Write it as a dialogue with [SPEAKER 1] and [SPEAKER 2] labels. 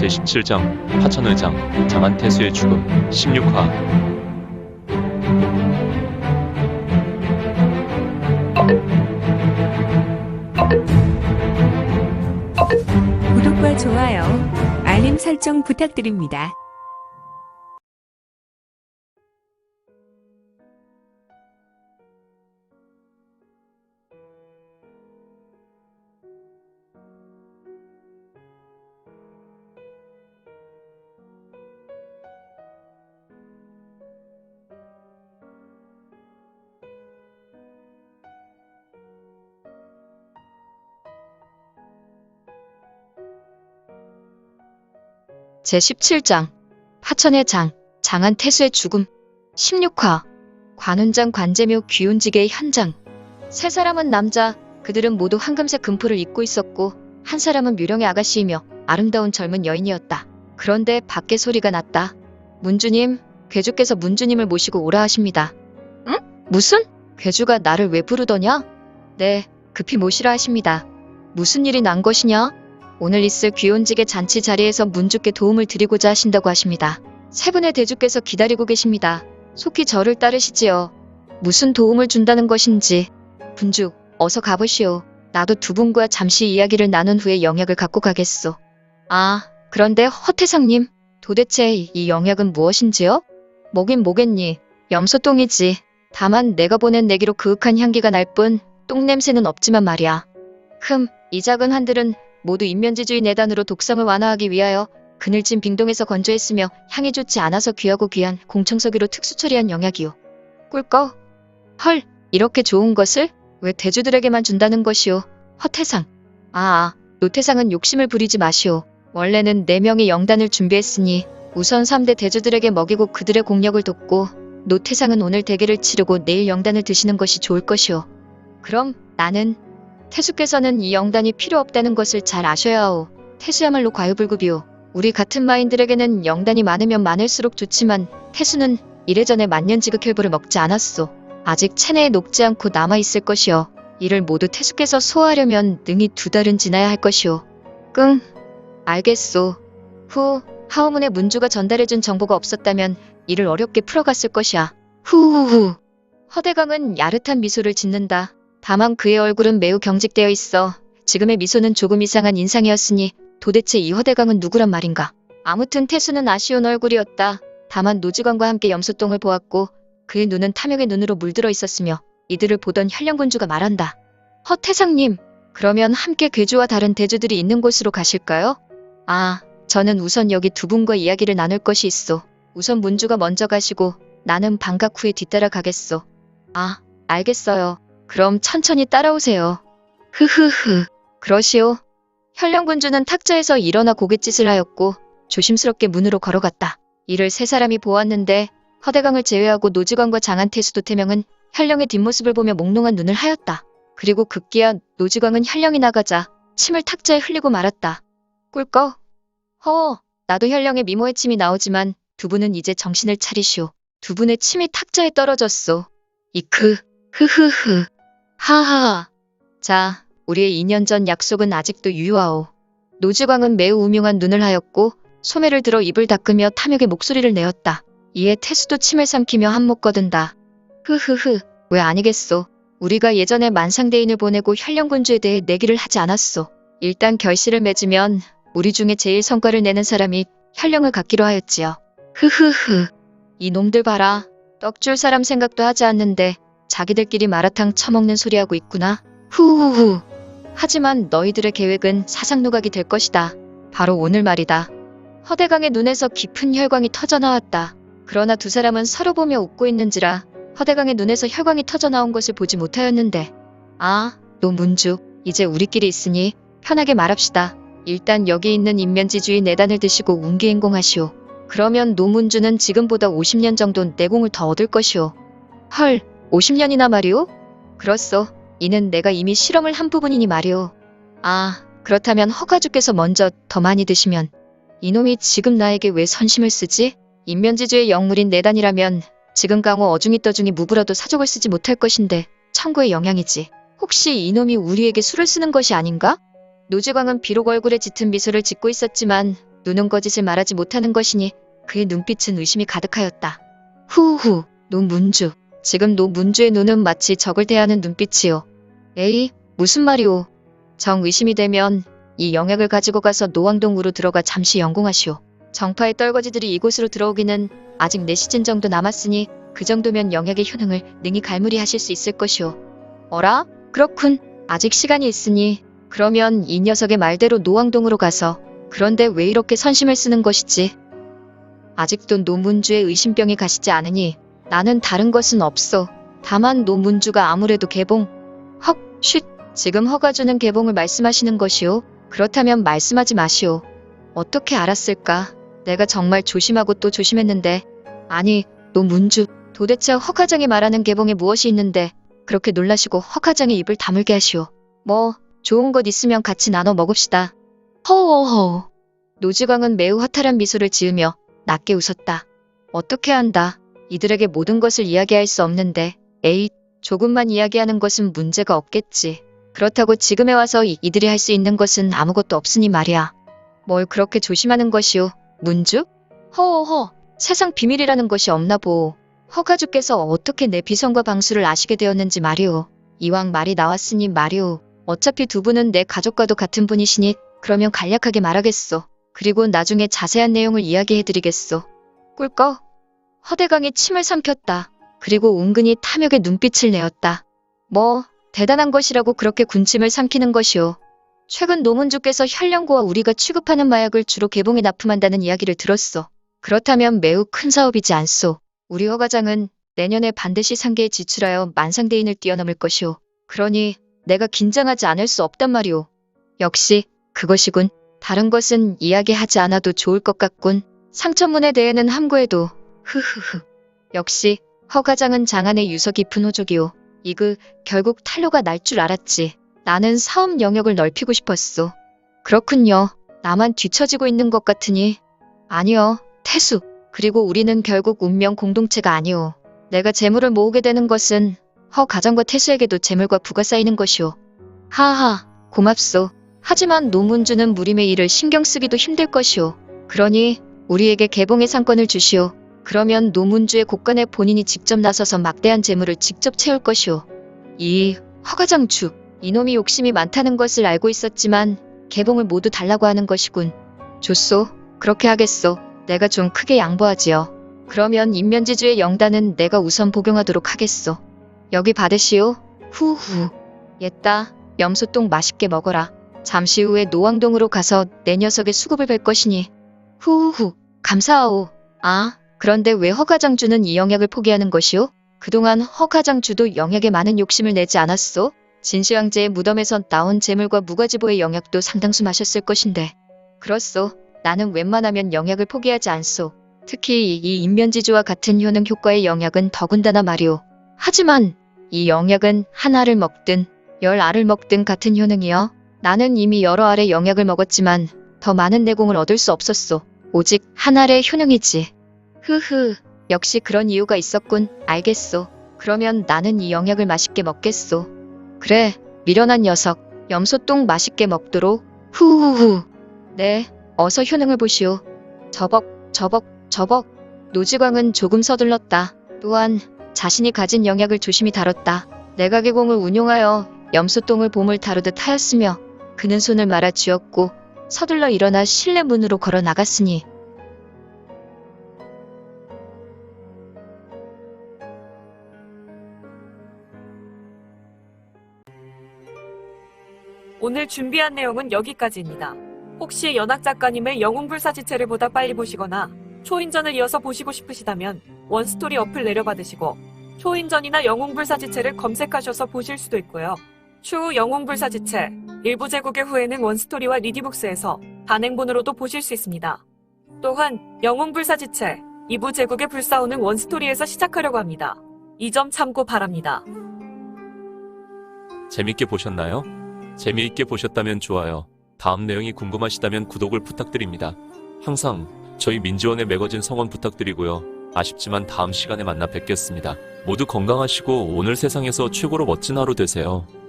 [SPEAKER 1] 제17장 하천의장 장안태수의 죽음 16화.
[SPEAKER 2] 구독과 좋아요, 알림 설정 부탁드립니다.
[SPEAKER 3] 제17장 하천의 장 장안태수의 죽음 16화. 관운장 관제묘 귀운지계의 현장. 세 사람은 남자, 그들은 모두 황금색 금포를 입고 있었고 한 사람은 묘령의 아가씨이며 아름다운 젊은 여인이었다. 그런데 밖에 소리가 났다. 문주님, 괴주께서 문주님을 모시고 오라 하십니다. 응? 무슨? 괴주가 나를 왜 부르더냐? 네, 급히 모시라 하십니다. 무슨 일이 난 것이냐? 오늘 있을 귀혼직의 잔치 자리에서 문주께 도움을 드리고자 하신다고 하십니다. 세 분의 대주께서 기다리고 계십니다. 속히 저를 따르시지요. 무슨 도움을 준다는 것인지. 분주, 어서 가보시오. 나도 두 분과 잠시 이야기를 나눈 후에 영약을 갖고 가겠소. 아, 그런데 허태상님, 도대체 이 영약은 무엇인지요? 뭐긴 뭐겠니? 염소똥이지. 다만 내가 보낸 내기로 그윽한 향기가 날 뿐 똥냄새는 없지만 말이야. 이 작은 한들은 모두 인면지주의 내단으로 독성을 완화하기 위하여 그늘진 빙동에서 건조했으며 향이 좋지 않아서 귀하고 귀한 공청석유로 특수 처리한 영약이오. 꿀꺽? 헐, 이렇게 좋은 것을 왜 대주들에게만 준다는 것이오? 허태상. 노태상은 욕심을 부리지 마시오. 원래는 4명의 영단을 준비했으니 우선 3대 대주들에게 먹이고 그들의 공력을 돕고 노태상은 오늘 대계를 치르고 내일 영단을 드시는 것이 좋을 것이오. 그럼 나는 태수께서는 이 영단이 필요 없다는 것을 잘 아셔야 하오. 태수야말로 과유불급이오. 우리 같은 마인들에게는 영단이 많으면 많을수록 좋지만 태수는 이래전에 만년지극혈부를 먹지 않았소. 아직 체내에 녹지 않고 남아있을 것이오. 이를 모두 태수께서 소화하려면 능히 2달은 지나야 할 것이오. 알겠소. 하오문의 문주가 전달해준 정보가 없었다면 이를 어렵게 풀어갔을 것이야. 후후후. 허대강은 야릇한 미소를 짓는다. 다만 그의 얼굴은 매우 경직되어 있어 지금의 미소는 조금 이상한 인상이었으니 도대체 이 허대강은 누구란 말인가. 아무튼 태수는 아쉬운 얼굴이었다. 다만 노지광과 함께 염소똥을 보았고 그의 눈은 탐욕의 눈으로 물들어 있었으며 이들을 보던 현령군주가 말한다. 허태상님, 그러면 함께 괴주와 다른 대주들이 있는 곳으로 가실까요? 저는 우선 여기 두 분과 이야기를 나눌 것이 있소. 우선 문주가 먼저 가시고 나는 반각 후에 뒤따라 가겠소. 알겠어요. 그럼 천천히 따라오세요. 그러시오. 현령군주는 탁자에서 일어나 고갯짓을 하였고 조심스럽게 문으로 걸어갔다. 이를 세 사람이 보았는데 허대강을 제외하고 노지광과 장안태수 도태명은 현령의 뒷모습을 보며 몽롱한 눈을 하였다. 그리고 급기야 노지광은 현령이 나가자 침을 탁자에 흘리고 말았다. 꿀꺽. 나도 현령의 미모의 침이 나오지만 두 분은 이제 정신을 차리시오. 두 분의 침이 탁자에 떨어졌소. 하하하. 자, 우리의 2년 전 약속은 아직도 유효하오. 노지광은 매우 우명한 눈을 하였고 소매를 들어 입을 닦으며 탐욕의 목소리를 내었다. 이에 태수도 침을 삼키며 한몫 거둔다. 왜 아니겠소. 우리가 예전에 만상대인을 보내고 현령군주에 대해 내기를 하지 않았소. 일단 결실을 맺으면 우리 중에 제일 성과를 내는 사람이 현령을 갖기로 하였지요. 이 놈들 봐라. 떡줄 사람 생각도 하지 않는데 자기들끼리 마라탕 처먹는 소리하고 있구나. 후후후. 하지만 너희들의 계획은 사상누각이 될 것이다. 바로 오늘 말이다. 허대강의 눈에서 깊은 혈광이 터져나왔다. 그러나 두 사람은 서로 보며 웃고 있는지라 허대강의 눈에서 혈광이 터져나온 것을 보지 못하였는데. 노문주, 이제 우리끼리 있으니 편하게 말합시다. 일단 여기 있는 인면지주의 내단을 드시고 운기행공하시오. 그러면 노문주는 지금보다 50년 정도 내공을 더 얻을 것이오. 헐, 50년이나 말이오? 그렇소. 이는 내가 이미 실험을 한 부분이니 말이오. 그렇다면 허가주께서 먼저 더 많이 드시면. 이놈이 지금 나에게 왜 선심을 쓰지? 인면지주의 영물인 내단이라면 지금 강호 어중이 떠중이 무브라도 사족을 쓰지 못할 것인데 천고의 영향이지. 혹시 이놈이 우리에게 술을 쓰는 것이 아닌가? 노지광은 비록 얼굴에 짙은 미소를 짓고 있었지만 눈은 거짓을 말하지 못하는 것이니 그의 눈빛은 의심이 가득하였다. 후후, 노문주. 지금 노문주의 눈은 마치 적을 대하는 눈빛이요. 에이, 무슨 말이오. 정 의심이 되면 이 영약을 가지고 가서 노왕동으로 들어가 잠시 연공하시오. 정파의 떨거지들이 이곳으로 들어오기는 아직 4시즌 정도 남았으니 그 정도면 영약의 효능을 능히 갈무리하실 수 있을 것이오. 어라? 그렇군. 아직 시간이 있으니 그러면 이 녀석의 말대로 노왕동으로 가서 그런데 왜 이렇게 선심을 쓰는 것이지? 아직도 노문주의 의심병이 가시지 않으니 나는 다른 것은 없어. 다만 노문주가 아무래도 개봉. 헉, 쉿. 지금 허가주는 개봉을 말씀하시는 것이오? 그렇다면 말씀하지 마시오. 어떻게 알았을까? 내가 정말 조심하고 또 조심했는데. 아니, 노문주. 도대체 허가장이 말하는 개봉에 무엇이 있는데 그렇게 놀라시고 허가장의 입을 다물게 하시오. 뭐 좋은 것 있으면 같이 나눠 먹읍시다. 허허허. 노지광은 매우 허탈한 미소를 지으며 낮게 웃었다. 어떻게 한다. 이들에게 모든 것을 이야기할 수 없는데 에잇, 조금만 이야기하는 것은 문제가 없겠지. 그렇다고 지금에 와서 이들이 할 수 있는 것은 아무것도 없으니 말이야. 뭘 그렇게 조심하는 것이오, 문주? 허허허, 세상 비밀이라는 것이 없나 보오. 허가주께서 어떻게 내 비선과 방수를 아시게 되었는지 말이오. 이왕 말이 나왔으니 말이오. 어차피 두 분은 내 가족과도 같은 분이시니 그러면 간략하게 말하겠소. 그리고 나중에 자세한 내용을 이야기해드리겠소. 꿀꺽. 허대강이 침을 삼켰다. 그리고 은근히 탐욕의 눈빛을 내었다. 뭐 대단한 것이라고 그렇게 군침을 삼키는 것이오. 최근 노문주께서 현령고와 우리가 취급하는 마약을 주로 개봉에 납품한다는 이야기를 들었소. 그렇다면 매우 큰 사업이지 않소. 우리 허가장은 내년에 반드시 상계에 지출하여 만상대인을 뛰어넘을 것이오. 그러니 내가 긴장하지 않을 수 없단 말이오. 역시 그것이군. 다른 것은 이야기하지 않아도 좋을 것 같군. 상천문에 대해는 함구해도 흐흐흐. 역시 허가장은 장안의 유서 깊은 호족이오. 이그 결국 탄로가 날 줄 알았지. 나는 사업 영역을 넓히고 싶었소. 그렇군요. 나만 뒤처지고 있는 것 같으니. 아니요, 태수. 그리고 우리는 결국 운명 공동체가 아니오. 내가 재물을 모으게 되는 것은 허가장과 태수에게도 재물과 부가 쌓이는 것이오. 하하, 고맙소. 하지만 노문주는 무림의 일을 신경 쓰기도 힘들 것이오. 그러니 우리에게 개봉의 상권을 주시오. 그러면 노문주의 곳간에 본인이 직접 나서서 막대한 재물을 직접 채울 것이오. 이 허가장주, 이놈이 욕심이 많다는 것을 알고 있었지만 개봉을 모두 달라고 하는 것이군. 좋소. 그렇게 하겠소. 내가 좀 크게 양보하지요. 그러면 인면지주의 영단은 내가 우선 복용하도록 하겠소. 여기 받으시오. 후후. 옛다. 염소똥 맛있게 먹어라. 잠시 후에 노왕동으로 가서 내 녀석의 수급을 뵐 것이니. 후후후. 감사하오. 아, 그런데 왜 허가장주는 이 영약을 포기하는 것이오? 그동안 허가장주도 영약에 많은 욕심을 내지 않았소? 진시황제의 무덤에서 나온 재물과 무가지보의 영약도 상당수 마셨을 것인데. 그렇소. 나는 웬만하면 영약을 포기하지 않소. 특히 이 인면지주와 같은 효능 효과의 영약은 더군다나 말이오. 하지만 이 영약은 한 알을 먹든 10알을 먹든 같은 효능이여. 나는 이미 여러 알의 영약을 먹었지만 더 많은 내공을 얻을 수 없었소. 오직 한 알의 효능이지. 흐흐, 역시 그런 이유가 있었군. 알겠소. 그러면 나는 이 영약을 맛있게 먹겠소. 그래, 미련한 녀석. 염소똥 맛있게 먹도록. 후후후. 네, 어서 효능을 보시오. 저벅. 노지광은 조금 서둘렀다. 또한 자신이 가진 영약을 조심히 다뤘다. 내각의공을 운용하여 염소똥을 봄을 다루듯 하였으며 그는 손을 말아 쥐었고 서둘러 일어나 실내 문으로 걸어 나갔으니.
[SPEAKER 4] 오늘 준비한 내용은 여기까지입니다. 혹시 연학 작가님의 영웅불사지체를 보다 빨리 보시거나 초인전을 이어서 보시고 싶으시다면 원스토리 어플 내려받으시고 초인전이나 영웅불사지체를 검색하셔서 보실 수도 있고요. 추후 영웅불사지체 일부 재국의 후에는 원스토리와 리디북스에서 단행본으로도 보실 수 있습니다. 또한 영웅불사지체 2부 재국의 불사오는 원스토리에서 시작하려고 합니다. 이 점 참고 바랍니다.
[SPEAKER 1] 재밌게 보셨나요? 재미있게 보셨다면 좋아요. 다음 내용이 궁금하시다면 구독을 부탁드립니다. 항상 저희 민지원의 매거진 성원 부탁드리고요. 아쉽지만 다음 시간에 만나 뵙겠습니다. 모두 건강하시고 오늘 세상에서 최고로 멋진 하루 되세요.